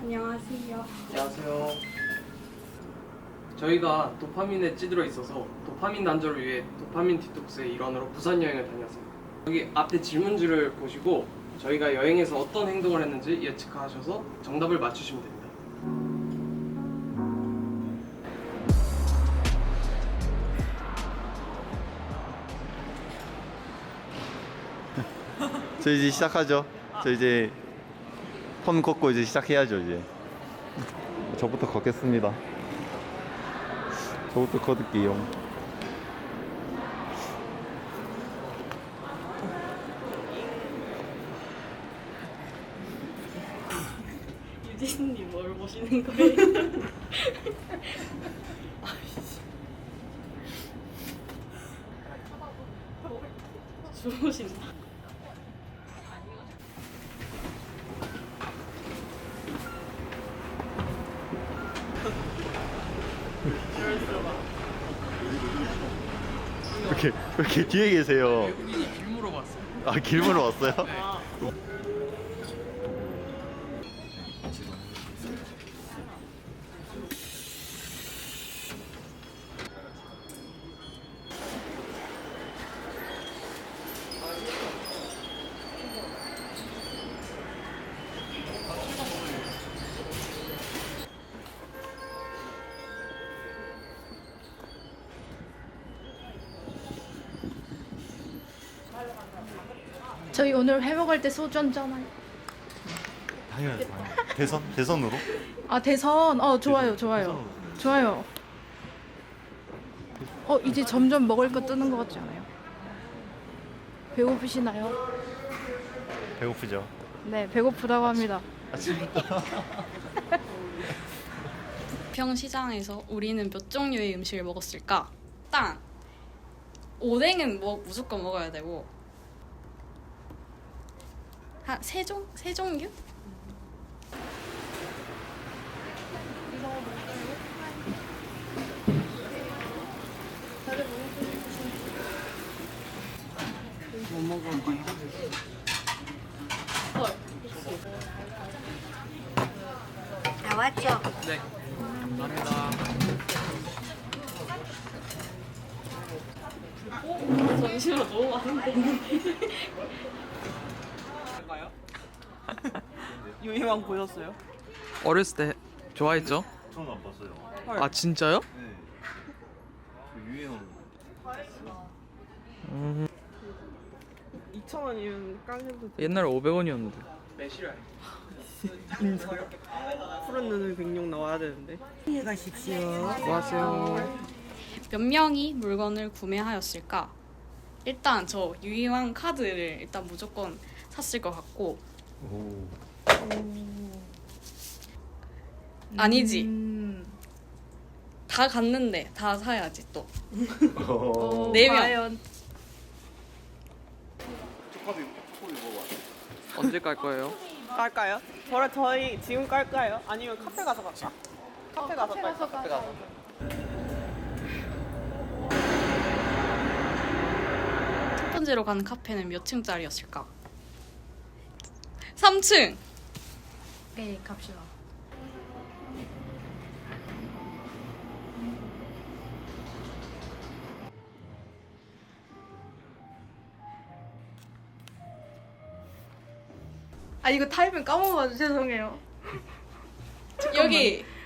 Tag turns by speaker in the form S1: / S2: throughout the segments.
S1: 안녕하세요.
S2: 안녕하세요. 저희가 도파민에 찌들어 있어서 도파민 단절을 위해 도파민 디톡스의 일환으로 부산 여행을 다녔습니다. 여기 앞에 질문지를 보시고 저희가 여행에서 어떤 행동을 했는지 예측하셔서 정답을 맞추시면 됩니다.
S3: 저 이제 시작하죠. 저 이제 폰 걷고 이제 시작해야죠. 이제 저부터 걷겠습니다. 저부터 걷을게요.
S1: 유진님 뭘 보시는 거예요? 주무신다.
S3: 왜 이렇게 뒤에 계세요?
S2: 외국인이 길 물어봤어요.
S3: 아, 길 보러 왔어요?
S4: 저희 오늘 회 먹을 때 소주 한잔하요.
S3: 당연하죠. 대선으로?
S4: 아 대선. 좋아요, 좋아요, 좋아요. 이제 점점 먹을 거 뜨는 것 같지 않아요? 배고프시나요?
S3: 배고프죠.
S4: 네, 배고프다고 합니다.
S1: 평시장에서 우리는 몇 종류의 음식을 먹었을까? 일단 오뎅은 무조건 먹어야 되고 한 세 종류?
S2: 뭐 먹을까요?
S5: 나왔죠?
S2: 네. 감사합니다.
S1: 잠시만 너무 많은데.
S6: 유희왕 보셨어요?
S2: 어렸을 때 좋아했죠?
S3: 저는 안 봤어요.
S2: 아 진짜요?
S3: 네. 유행어
S6: 2,000원이면 깡해도
S2: 옛날에 500원이었는데. 매실알.
S6: 푸른 눈을 백룡 나와야 되는데.
S5: 가십시오.
S2: 안녕하세요.
S1: 몇 명이 물건을 구매하였을까? 일단 저 유희왕 카드를 일단 무조건 샀을 것 같고
S3: 오.
S1: 아니지 다 갔는데 다 사야지 또 네 명.
S4: 과연
S3: 초코비 먹어봐.
S2: 언제 깔 거예요?
S6: 깔까요? 저희 지금 깔까요? 아니면 카페 가서 갈까? 카페 가서 깔까? 카페 가서.
S1: 첫 번째로 간 카페는 몇 층짜리였을까? 3층.
S4: 네, 갑시다. 이거 타이밍 까먹어가지고 죄송해요.
S1: 여기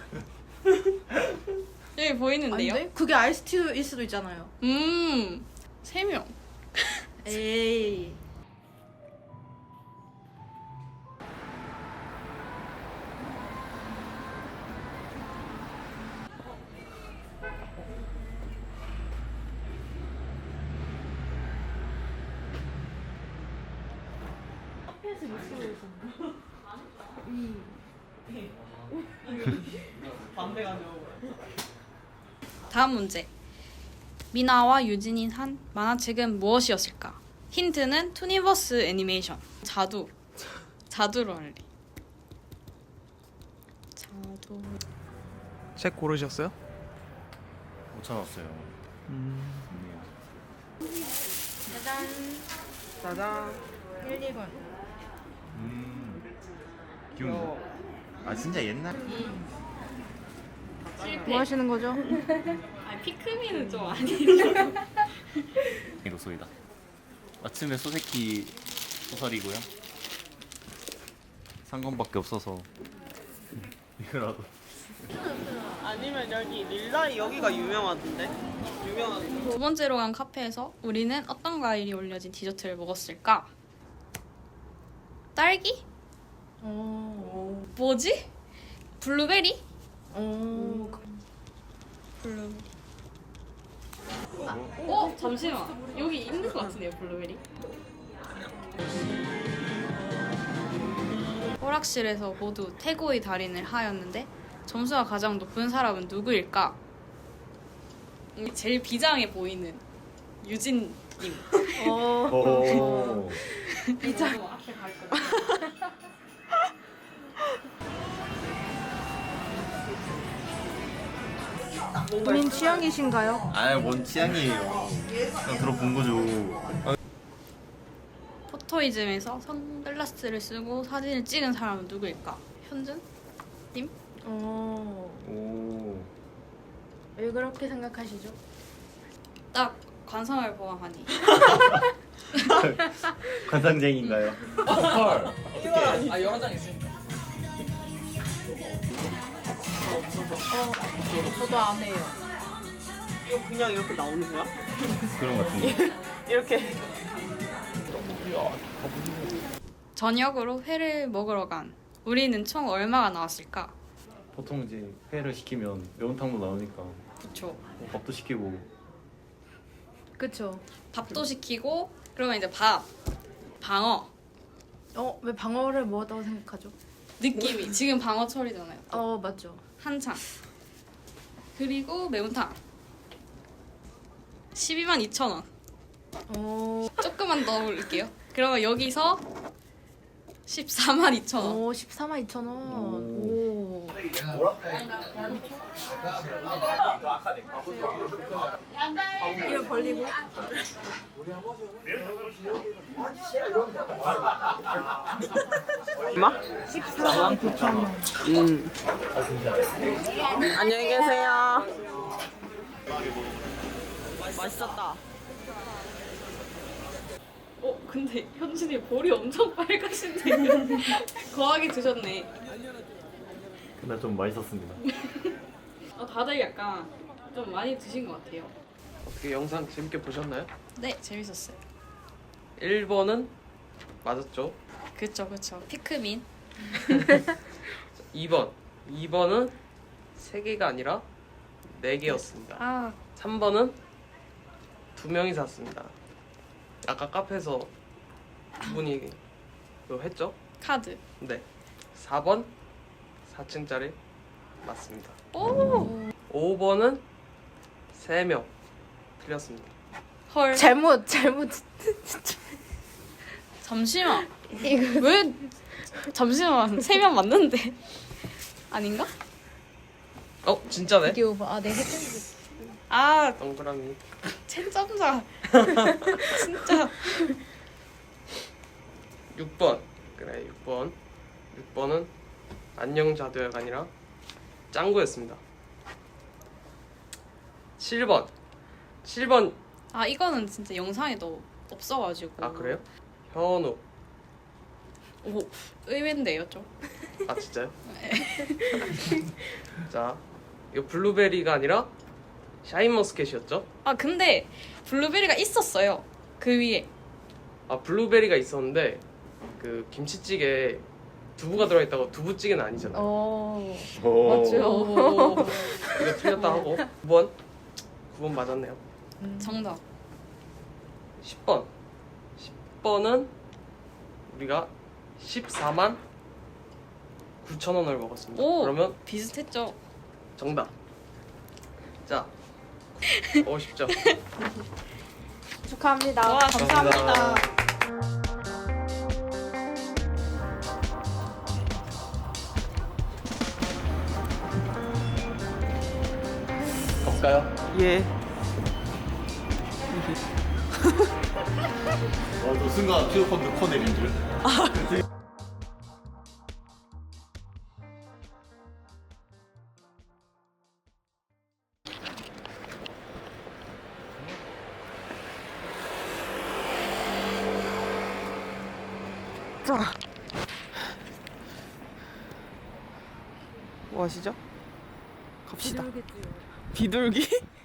S1: 여기 보이는데요?
S4: 아닌데? 그게 아이스티일 수도 있잖아요.
S1: 3명.
S4: 에이.
S6: 반대 가죠.
S1: 다음 문제. 미나와 유진이 한 만화책은 무엇이었을까? 힌트는 투니버스 애니메이션. 자두로 할래. 자두.
S2: 책 고르셨어요?
S3: 못 찾았어요.
S4: 짜잔.
S6: 짜잔.
S4: 1, 2번.
S3: 귀여운데? 아 진짜 옛날.
S4: 뭐 하시는 거죠?
S1: 아 피크민은 좀 아니죠.
S3: 로소이다. 아침에 소세키 소설이고요. 상관밖에 없어서 이거라도.
S6: 아니면 여기 릴라이 여기가 유명하던데. 유명한.
S1: 두 번째로 간 카페에서 우리는 어떤 과일이 올려진 디저트를 먹었을까? 딸기? 뭐지? 블루베리? 블루베리. 잠시만. 여기 있는 것 같은데요, 블루베리? 오락실에서 모두 태고의 달인을 하였는데 점수가 가장 높은 사람은 누구일까? 제일 비장해 보이는 유진님.
S3: 오.
S1: 비장. 앞에 갈 거야.
S4: 본인 취향이신가요?
S3: 아뭔 취향이에요. 그냥 들어본 거죠.
S1: 포토이즘에서 선글라스를 쓰고 사진을 찍은 사람은 누구일까? 현준? 님?
S3: 오.
S4: 왜 그렇게 생각하시죠?
S1: 딱 관상을 보아하니.
S3: 관상쟁인가요?
S2: 아 여러 장 있으니까.
S4: 저도 안 해요.
S6: 이거 그냥 이렇게 나오는 거야?
S3: 그런 것 같은데.
S6: 이렇게.
S1: 저녁으로 회를 먹으러 간 우리는 총 얼마가 나왔을까?
S3: 보통 이제 회를 시키면 매운탕도 나오니까
S1: 그쵸.
S3: 밥도 시키고.
S4: 그쵸.
S1: 밥도 시키고 그러면 이제 방어
S4: 왜 방어를 뭐하다고 생각하죠?
S1: 느낌이 지금 방어철이잖아요.
S4: 맞죠.
S1: 한창. 그리고 매운탕 122,000원. 조금만 더 올릴게요. 그러면 여기서 142,000원.
S4: 142,000원. 오. 이거 벌리고.
S6: 얼마? 149,000원. 안녕히 계세요. 맛있었다.
S1: 근데 현준이 볼이 엄청 빨가신데 거하게 드셨네.
S3: 근데 좀 맛있었습니다.
S1: 다들 약간 좀 많이 드신 것 같아요.
S2: 어떻게 영상 재밌게 보셨나요?
S1: 네, 재밌었어요.
S2: 1번은 맞았죠.
S1: 그쵸. 피크민.
S2: 2번은 3개가 아니라 4개였습니다.
S1: 아,
S2: 3번은 2명이 샀습니다. 아까 카페에서 두 분이 그거 했죠?
S1: 카드.
S2: 네. 4번 4층짜리 맞습니다.
S1: 오,
S2: 5번은 3명 틀렸습니다.
S1: 헐.
S4: 잘못.
S1: 잠시만. 왜? 잠시만. 3명 맞는데. 아닌가?
S2: 진짜네?
S4: 이게 오버. 네, 헷갈리지.
S1: 아,
S2: 동그라미.
S1: 채점자. 진짜.
S2: 6번. 그래 6번은 안녕 자두야가 아니라 짱구였습니다. 7번
S1: 아, 이거는 진짜 영상에도 없어가지고.
S2: 아 그래요? 현우.
S1: 오, 의외인데요, 좀.
S2: 아 진짜요? 자 이거 블루베리가 아니라 샤인머스켓이었죠?
S1: 아, 근데 블루베리가 있었어요. 그 위에.
S2: 아 블루베리가 있었는데 그 김치찌개 두부가 들어있다고 두부찌개는 아니잖아요.
S3: 오.
S1: 오,
S2: 이거 틀렸다 하고 9번 맞았네요.
S1: 정답.
S2: 10번은 우리가 14만 9,000원을 먹었습니다.
S1: 오,
S2: 그러면
S1: 비슷했죠.
S2: 정답. 자, 쉽죠?
S4: 축하합니다.
S1: 와, 감사합니다.
S3: 갈까요?
S6: 예.
S3: 저 순간 휴대폰 넣고 내린 줄.
S6: 자, 뭐 하시죠? 갑시다. 비둘기?